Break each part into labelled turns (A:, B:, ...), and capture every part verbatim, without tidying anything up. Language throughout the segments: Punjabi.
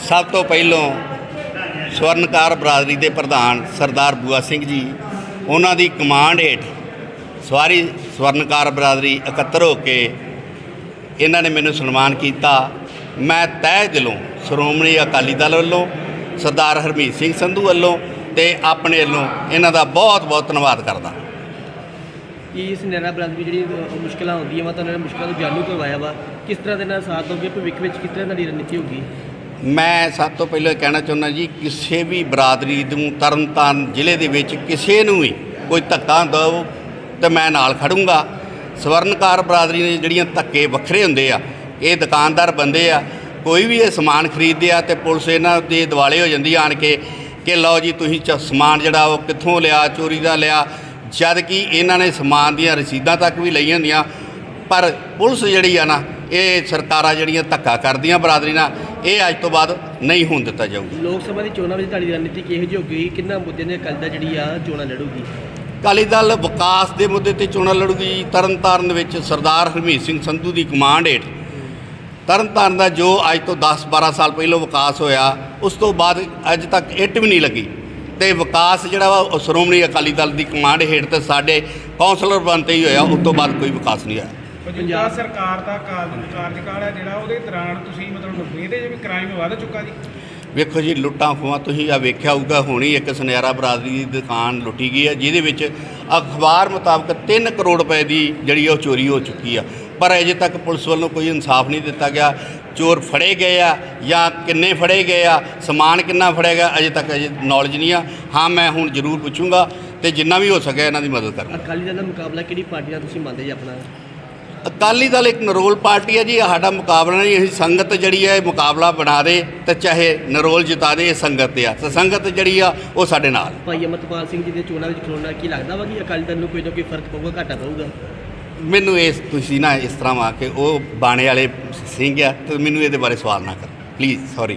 A: सब तो पहलों स्वर्णकार बरादरी के प्रधान सरदार बूआ सिंह जी उन्हों की कमांड हेठ सारी स्वर्णकार बरादरी इकट्ठर होके इन्होंने मैनू सन्मान किया। मैं तय दिलों श्रोमणी अकाली दल वालों सरदार हरमीत सिंह संधू वालों ते अपने वालों इन्हों का बहुत बहुत धन्यवाद करदा।
B: कि इस नैना बरादरी जी मुश्किल होंगी वा तो उन्होंने मुश्किलों को जालू करवाया वा किस तरह के साथ दोगे भविख में किस तरह की रणनीति होगी?
A: मैं सब तो पहले कहना चाहुंदा जी किसी भी बरादरी नूं तरन ताਰਨ ਜ਼ਿਲ੍ਹੇ ਦੇ ਵਿੱਚ ਕਿਸੇ ਨੂੰ भी कोई धक्का दो तो मैं नाल खड़ूंगा। स्वर्णकार बरादरी ने ਜਿਹੜੀਆਂ ਧੱਕੇ ਵੱਖਰੇ ਹੁੰਦੇ ਆ ਇਹ ਦੁਕਾਨਦਾਰ ਬੰਦੇ ਆ कोई भी ये समान खरीदते आ तो पुलिस इन्हां दे दिवाले हो जाती आन के कि लो जी तुसीं समान जिहड़ा वो कित्थों लिया चोरी का लिया, जद कि इन्हां ने समान दीयां रसीदां तक भी लईआं होंदियां। पर पुलिस जिहड़ी आ ना ये सरकारां जिहड़ियां धक्का करदियां बरादरी नाल ये अज तो बाद नहीं होण दित्ता जाऊगा।
B: लोक सभा की चोणां विच तुहाडी रणनीति किहो जी होगी? किन्ना मुद्दे ने अकाली दल जिहड़ी आ चोणां लड़ूगी?
A: अकाली दल विकास के मुद्दे ते चोणां लड़ूगी। तरन ताਰਨ विच सरदार हरमीत सिंह संधू की कमांड हेठ तरन ताਰਨ का जो अज तो दस बारह साल पहलों विकास होया उस तो बाद अज तक इट भी नहीं लगी तो विकास जिहड़ा वा श्रोमणी अकाली दल की कमांड हेठ तो साडे कौंसलर बनते ही होया, उस तो बाद कोई विकास नहीं होया।
C: पंजाब सरकार का कार्यकाल है जिहड़ा उहदे दौरान तुसीं मतलब इहदे भी क्राइम वध चुका जी?
A: वेखो जी लुट्टां खोहां तुसीं आ वेख्या होऊगा होनी एक सुनहरा बरादरी की दुकान लुट्टी गई है जिहदे विच अखबार मुताबक तीन करोड़ रुपए की जिहड़ी वो चोरी हो चुकी है, पर अजे तक पुलिस वालों कोई इंसाफ नहीं दिता गया। चोर फड़े गए आ या किन्ने फड़े गए आ, समान किन्ना फड़े गया अजे तक अजे नॉलेज नहीं आ। हाँ मैं हुण जरूर पूछूंगा तो जिन्ना भी हो सके इन्हां दी मदद करूंगा।
B: अकाली दल दा मुकाबला किहड़ी पार्टी नाल तुसीं मंनदे जी अपना?
A: अकाली दल एक नरोल पार्टी है जी, साडा मुकाबला नहीं। असीं संगत जिहड़ी है मुकाबला बना दे तो चाहे नरोल जिता दे, संगत आ तो संगत जिहड़ी आ वो साडे नाल।
B: भाई अमरपाल सिंह जी के चोणां विच खलोणा की लगदा वा कि अकाली दल नूं कोई ना कोई फर्क पऊगा घाटा पऊगा?
A: मैनू इस तुसीं ना इस तरह आ के वो बाणे वाले सिंह आ तो मैनू ये बारे सवाल ना कर प्लीज़, सॉरी।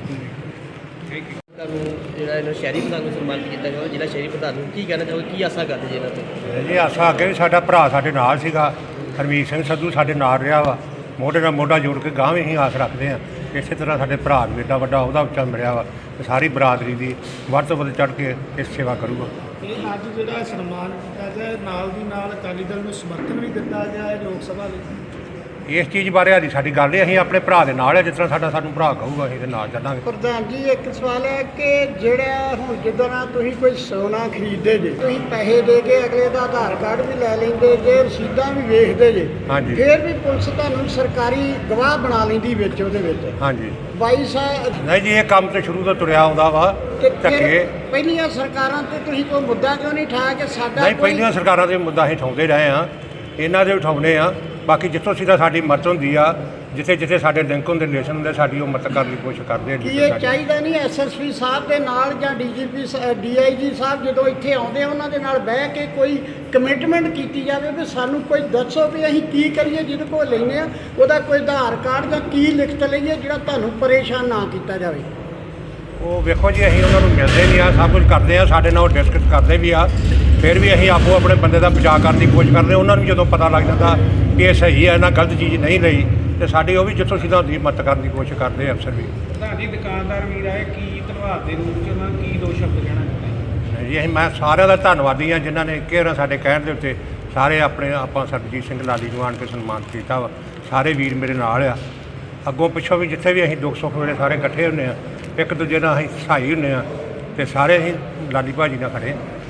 B: ਜਿਹੜਾ ਇਹਨਾਂ ਸ਼ਹਿਰੀ ਪ੍ਰਧਾਨ ਨੂੰ ਸਨਮਾਨਿਤ ਕੀਤਾ ਗਿਆ ਜ਼ਿਲ੍ਹਾ ਸ਼ਹਿਰੀ ਪ੍ਰਧਾਨ ਨੂੰ ਕੀ ਕਹਿਣਾ ਚਾਹੋਗੇ, ਕੀ ਆਸਾ ਕਰਦੇ ਜੀ ਇਹਨਾਂ ਤੋਂ?
D: ਜੀ ਆਸਾ ਅੱਗੇ ਵੀ ਸਾਡਾ ਭਰਾ ਸਾਡੇ ਨਾਲ ਸੀਗਾ, ਹਰਮੀਤ ਸਿੰਘ ਸੰਧੂ ਸਾਡੇ ਨਾਲ ਰਿਹਾ ਵਾ, ਮੋਢੇ ਨਾਲ ਮੋਢਾ ਜੋੜ ਕੇ ਗਾਂਹ ਵੀ ਅਸੀਂ ਆਸ ਰੱਖਦੇ ਹਾਂ। ਇਸੇ ਤਰ੍ਹਾਂ ਸਾਡੇ ਭਰਾ ਨੂੰ ਐਡਾ ਵੱਡਾ ਉਹਦਾ ਉੱਚਾ ਮਿਲਿਆ ਵਾ ਤੇ ਸਾਰੀ ਬਰਾਦਰੀ ਦੀ ਵੱਧ ਤੋਂ ਵੱਧ ਚੜ੍ਹ ਕੇ ਇਸ ਸੇਵਾ ਕਰੂਗਾ।
C: ਇਹ ਅੱਜ ਜਿਹੜਾ ਸਨਮਾਨ ਕੀਤਾ ਗਿਆ ਨਾਲ ਦੀ ਨਾਲ ਅਕਾਲੀ ਦਲ ਨੂੰ ਸਮਰਥਨ ਵੀ ਦਿੱਤਾ ਗਿਆ ਹੈ ਲੋਕ ਸਭਾ ਲਈ।
D: ਇਸ ਚੀਜ਼ ਬਾਰੇ ਹਾਲੀ ਸਾਡੀ ਗੱਲ ਨਹੀਂ, ਅਸੀਂ ਆਪਣੇ ਭਰਾ ਦੇ ਨਾਲ ਹੈ, ਜਿਸ ਤਰ੍ਹਾਂ ਸਾਡਾ ਸਾਨੂੰ ਭਰਾ ਕਹੂਗਾ ਅਸੀਂ ਇਹਦੇ ਨਾਲ ਚੱਲਾਂਗੇ।
E: ਪ੍ਰਧਾਨ ਜੀ ਇੱਕ ਸਵਾਲ ਹੈ ਕਿ ਜਿਹੜਾ ਹੁਣ ਜਿੱਦਾਂ ਨਾਲ ਤੁਸੀਂ ਕੋਈ ਸੋਨਾ ਖਰੀਦਦੇ ਜੇ, ਤੁਸੀਂ ਪੈਸੇ ਦੇ ਕੇ ਅਗਲੇ ਦਾ ਆਧਾਰ ਕਾਰਡ ਵੀ ਲੈ ਲੈਂਦੇ ਜੇ, ਰਸੀਦਾਂ ਵੀ ਵੇਖਦੇ ਜੇ,
D: ਹਾਂਜੀ
E: ਫਿਰ ਵੀ ਪੁਲਿਸ ਤੁਹਾਨੂੰ ਸਰਕਾਰੀ ਗਵਾਹ ਬਣਾ ਲੈਂਦੀ ਵਿੱਚ ਉਹਦੇ ਵਿੱਚ।
D: ਹਾਂਜੀ
E: ਬਾਈ ਸਾਹਿਬ
D: ਨਹੀਂ ਜੀ ਇਹ ਕੰਮ ਤੇ ਸ਼ੁਰੂ ਤੋਂ ਤੁਰਿਆ ਆਉਂਦਾ ਵਾ
E: ਤੇ
D: ਧੱਕੇ।
E: ਫਿਰ ਪਹਿਲੀਆਂ ਸਰਕਾਰਾਂ ਤੇ ਤੁਸੀਂ ਕੋਈ ਮੁੱਦਾ ਕਿਉਂ ਨਹੀਂ ਠਾਇਆ ਕਿ ਸਾਡਾ
D: ਨਹੀਂ
E: ਕੋਈ-
D: ਪਹਿਲੀਆਂ ਸਰਕਾਰਾਂ ਦੇ ਮੁੱਦਾ ਅਸੀਂ ਉਠਾਉਂਦੇ ਰਹੇ ਹਾਂ, ਇਹਨਾਂ ਦੇ ਉਠਾਉਂਦੇ ਆ। ਬਾਕੀ ਜਿੱਥੋਂ ਸਿੱਧਾ ਸਾਡੀ ਮਦਦ ਹੁੰਦੀ ਆ, ਜਿੱਥੇ ਜਿੱਥੇ ਸਾਡੇ ਲਿੰਕ ਹੁੰਦੇ ਰਿਲੇਸ਼ਨ ਹੁੰਦੇ ਸਾਡੀ ਉਹ ਮਦਦ ਕਰਨ ਦੀ ਕੋਸ਼ਿਸ਼ ਕਰਦੇ ਆ।
E: ਕੀ ਇਹ ਚਾਹੀਦਾ ਨਹੀਂ ਐਸ ਐਸ ਪੀ ਸਾਹਿਬ ਦੇ ਨਾਲ ਜਾਂ D G P D I ਜੀ ਸਾਹਿਬ ਜਦੋਂ ਇੱਥੇ ਆਉਂਦੇ ਉਹਨਾਂ ਦੇ ਨਾਲ ਬਹਿ ਕੇ ਕੋਈ ਕਮਿਟਮੈਂਟ ਕੀਤੀ ਜਾਵੇ ਵੀ ਸਾਨੂੰ ਕੋਈ ਦੱਸੋ ਵੀ ਅਸੀਂ ਕੀ ਕਰੀਏ ਜਿਹਦੇ ਕੋਲ ਲੈਂਦੇ ਆ ਉਹਦਾ ਕੋਈ ਆਧਾਰ ਕਾਰਡ ਜਾਂ ਕੀ ਲਿਖਤ ਲਈਏ ਜਿਹੜਾ ਤੁਹਾਨੂੰ ਪਰੇਸ਼ਾਨ ਨਾ ਕੀਤਾ ਜਾਵੇ।
D: ਉਹ ਵੇਖੋ ਜੀ ਅਸੀਂ ਉਹਨਾਂ ਨੂੰ ਮਿਲਦੇ ਨਹੀਂ ਆ, ਸਭ ਕੁਝ ਕਰਦੇ ਆ, ਸਾਡੇ ਨਾਲ ਉਹ ਡਿਸਕਸ ਕਰਦੇ ਵੀ ਆ, ਫਿਰ ਵੀ ਅਸੀਂ ਆਪੋ ਆਪਣੇ ਬੰਦੇ ਦਾ ਬਚਾਅ ਕਰਨ ਦੀ ਕੋਸ਼ਿਸ਼ ਕਰਦੇ। ਉਹਨਾਂ ਨੂੰ ਜਦੋਂ ਪਤਾ ਲੱਗ ਜਾਂਦਾ ਕਿ ਇਹ ਸਹੀ ਹੈ, ਇਹਨਾਂ ਗਲਤ ਚੀਜ਼ ਨਹੀਂ ਲਈ ਤੇ ਸਾਡੀ ਉਹ ਵੀ ਜਿੱਥੋਂ ਸਿੱਧਾ ਹੁੰਦੀ ਮਦਦ ਕਰਨ ਦੀ ਕੋਸ਼ਿਸ਼ ਕਰਦੇ ਆ ਅਫਸਰ ਵੀ।
C: ਪ੍ਰਧਾਨ ਜੀ ਦੁਕਾਨਦਾਰ ਵੀਰ ਆਏ ਕੀ ਧੰਨਵਾਦ ਦੇ ਰੂਪ 'ਚ ਉਹਨਾਂ ਨੂੰ ਕੀ ਦੋ ਸ਼ਬਦ ਕਹਿਣਾ ਚਾਹੁੰਦੇ?
D: ਜੀ ਅਸੀਂ ਮੈਂ ਸਾਰਿਆਂ ਦਾ ਧੰਨਵਾਦੀ ਹਾਂ ਜਿਨ੍ਹਾਂ ਨੇ ਕਿਹੜਾ ਸਾਡੇ ਕਹਿਣ ਦੇ ਉੱਤੇ ਸਾਰੇ ਆਪਣੇ ਆਪਾਂ ਸਰਬਜੀਤ ਸਿੰਘ ਲਾਲੀ ਨੂੰ ਆਣ ਕੇ ਸਨਮਾਨਿਤ ਕੀਤਾ ਵਾ। ਸਾਰੇ ਵੀਰ ਮੇਰੇ ਨਾਲ ਆ, ਅੱਗੋਂ ਪਿੱਛੋਂ ਵੀ ਜਿੱਥੇ ਵੀ ਅਸੀਂ ਦੁੱਖ ਸੁੱਖ ਵੇਲੇ ਸਾਰੇ ਇਕੱਠੇ ਹੁੰਦੇ ਆ, ਇੱਕ ਦੂਜੇ ਨਾਲ ਅਸੀਂ ਸਹਾਈ ਹੁੰਦੇ ਆ ਤੇ ਸਾਰੇ ਅਸੀਂ ਲਾਲੀ ਭਾਜੀ ਨਾਲ ਖੜੇ।